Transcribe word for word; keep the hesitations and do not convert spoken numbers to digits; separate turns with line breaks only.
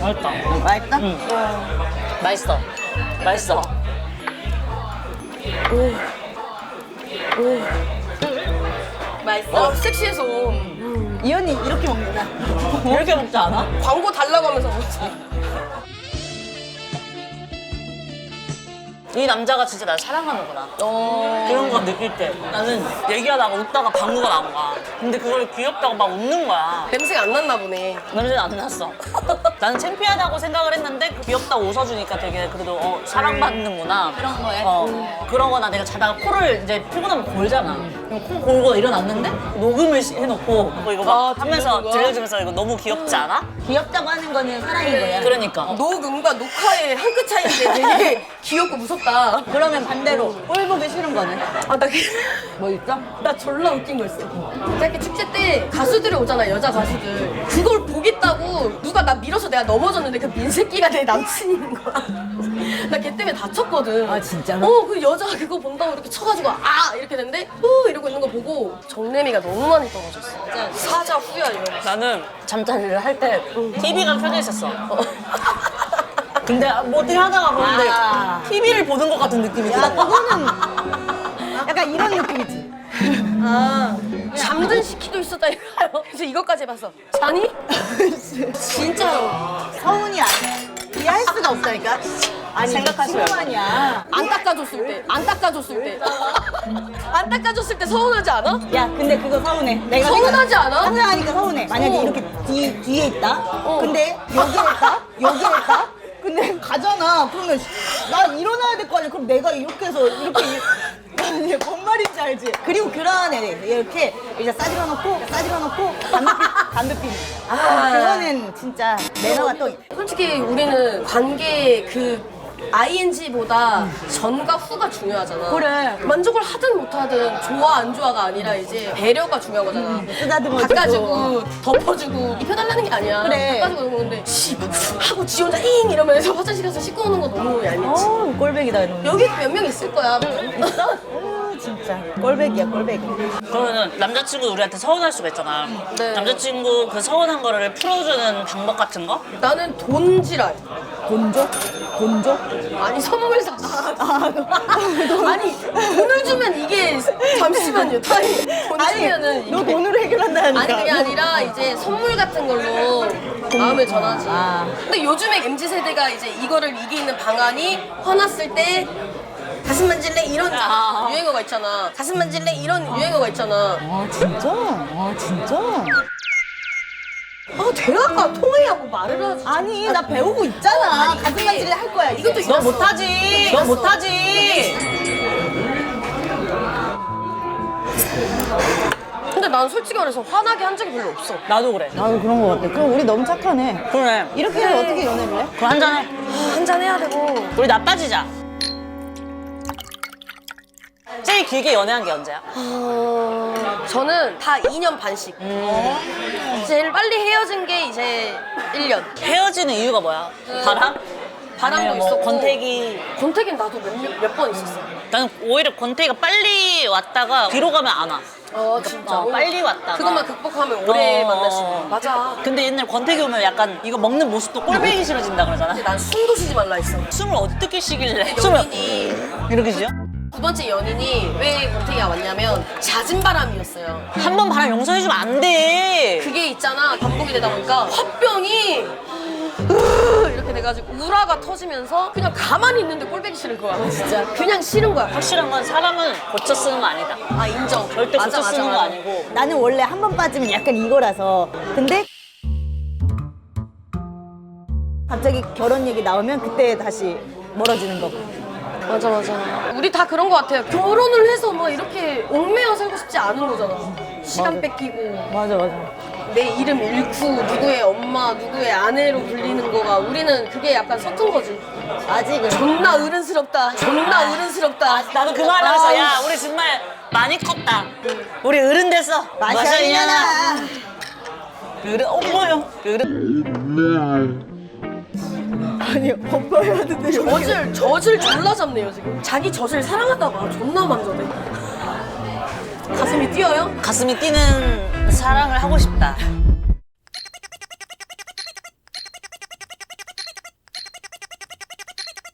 맛있다.
맛있다?
응. 맛있어. 맛있어.
오. 오.
맛있어?
어, 섹시해서.
이 언니 이렇게 먹는다.
이렇게 먹지 않아?
광고 달라고 하면서 먹지.
이 남자가 진짜 날 사랑하는구나.
어.
그런 거 느낄 때 나는 얘기하다가 웃다가 방구가 나온 거야. 근데 그걸 귀엽다고 막 웃는 거야.
냄새가 안 났나 보네.
냄새는 안 났어. 나는 창피하다고 생각을 했는데 귀엽다고 웃어주니까 되게 그래도 어, 사랑받는구나.
그런 거에?
어. 그러거나 내가 자다가 코를 이제 풀고 나면 골잖아. 그럼 코 골고 일어났는데 녹음을 시- 해놓고 뭐 이거 막
아,
하면서
들려준 거야?
들려주면서 이거 너무 귀엽지 않아?
귀엽다고 하는 거는 사랑인 거야.
그러니까.
녹음과 녹화의 한 끗 차이인데 되게 귀엽고 무섭다.
그러면 반대로 꼴 보기 싫은 거는?
아, 나, 그-
뭐 있어?
나 졸라 웃긴 거 있어. 이렇게 축제 때 가수들이 오잖아, 여자 가수들. 그걸 보겠다고 누가 나 밀어서 내가 넘어졌는데 그 민새끼가 내 남친인 거야. 나 걔 때문에 다쳤거든.
아, 진짜로?
어, 그 여자 그거 본다고 이렇게 쳐가지고 아! 이렇게 됐는데 후! 이러고 있는 거 보고 정내미가 너무 많이 떨어졌어. 진짜 사자 후야 이러면서.
나는 잠자리를 할 때 티비가 켜져 있었어. 근데 뭐 어떻게 하다가 보는데
아.
티비를 보는 것 같은 느낌이
야,
들어.
그거는 약간 이런 느낌이지. 아,
잠든 시키도 있었다 이거요. 그래서 이것까지 해봤어. 자니? 진짜로.
서운이 아니야. 이해할 수가 없다니까. 아니,
생각하시면.
친구만이야.
안 닦아줬을 때, 안 닦아줬을 때, 안 닦아줬을 때 서운하지 않아?
야, 근데 그거 서운해. 내가
서운하지 않아?
상상하니까 서운해. 만약에
어.
이렇게 뒤, 뒤에 있다? 근데 여기에 있다? 여기에 있다? 근데 가잖아. 그러면 난 일어나야 될 거 아니야. 그럼 내가 이렇게 해서 이렇게 아니, 뭔 말인지 알지? 그리고 그런 애 이렇게 이제 싸질러 놓고 싸질러 놓고 담배 피 담배 피는. 아, 그거는 진짜 매너가 또
솔직히 우리는 관계 그 아이엔지보다 전과 후가 중요하잖아.
그래.
만족을 하든 못하든 좋아 안 좋아가 아니라 이제 배려가 중요한 거잖아.
쓰다듬어주고.
닦아주고 덮어주고 입혀달라는 게 아니야.
그래.
닦아주고 이런 건데 씨 하고 지 혼자 잉 이러면서 화장실 가서 씻고 오는 거 너무 얄밉지.
어, 꼴백이다 이러면.
여기 몇 명 있을 거야.
있어? 어, 진짜 꼴백이야 꼴백이.
그러면은 남자친구 우리한테 서운할 수가 있잖아.
네.
남자친구 그 서운한 거를 풀어주는 방법 같은 거?
나는 돈지랄.
돈 줘? 돈 줘?
아니 선물 사. 아니 돈을 주면 이게 잠시만요. 타임. 돈 주면은
너
이게
돈으로 해결한다니까.
아니 그게 아니라 이제 선물 같은 걸로 마음을 전하지.
아.
근데 요즘에 엠지 세대가 이제 이거를 이기는 방안이 화났을 때 가슴 만질래 이런
아.
유행어가 있잖아. 가슴 만질래 이런 유행어가 있잖아.
아 진짜? 아 진짜?
아 대화가 통해하고 말을 하지.
아니 나 배우고 있잖아.
아니,
가슴
이게-
만질래 할 거야. 이제.
이것도
너
있었어.
못하지. 너 못하지.
근데 난 솔직히 말해서 화나게 한 적이 별로 없어.
나도 그래.
나도 그런 거 같아. 그럼 우리 너무 착하네.
그래.
이렇게 해서 어떻게 연애를 해?
그럼 한잔해.
한잔 해야 되고.
우리 나빠지자. 제일 길게 연애한 게 언제야?
어... 저는 다 이 년 반씩. 제일 빨리 헤어진 게 이제 일 년.
헤어지는 이유가 뭐야? 바람?
바람도
아니면 뭐
있었고.
권태기.
권태기는 나도 몇 번 있었어.
나는 오히려 권태기가 빨리 왔다가 뒤로 가면 안 와.
어 진짜.
어, 빨리 왔다가.
그것만 극복하면 오래
어.
만날 수 있는. 맞아.
근데 옛날 권태기 오면 약간 이거 먹는 모습도 꼴배기 싫어진다 그러잖아.
난 숨도 쉬지 말라 했어.
숨을 어떻게 쉬길래?
연인이
이렇게 쉬어?
두 번째 연인이 왜 권태기가 왔냐면 잦은 바람이었어요.
한 번 바람 용서해주면 안 돼.
그게 있잖아 반복이 되다 보니까 화병이 으 이렇게 돼가지고 우라가 터지면서 그냥 가만히 있는데 꼴배기 싫은 거야. 진짜 그냥 싫은 거야.
확실한 건 사람은 고쳐 쓰는 거 아니다.
아 인정.
절대
맞아,
고쳐
맞아,
쓰는 거
맞아.
아니고.
나는 원래 한 번 빠지면 약간 이거라서. 근데 갑자기 결혼 얘기 나오면 그때 다시 멀어지는 거고.
맞아 맞아. 우리 다 그런 거 같아요. 결혼을 해서 막 이렇게 얽매여 살고 싶지 않은 거잖아. 시간
맞아.
뺏기고
맞아 맞아.
내 이름 잃고 누구의 엄마 누구의 아내로 불리는 거가 우리는 그게 약간 서툰 거지.
아직은.
존나 어른스럽다. 존나 어른스럽다.
나도 그 말 하면서 야 우리 정말 많이 컸다. 우리 어른 됐어.
마셔 이년아.
어른 어머요. 어른.
아니 오빠야 하는데
젖을 젖을 졸라 잡네요 지금. 자기 젖을 사랑하다 봐. 존나 만져대. 가슴이 뛰어요?
가슴이 뛰는 사랑을 하고 싶다.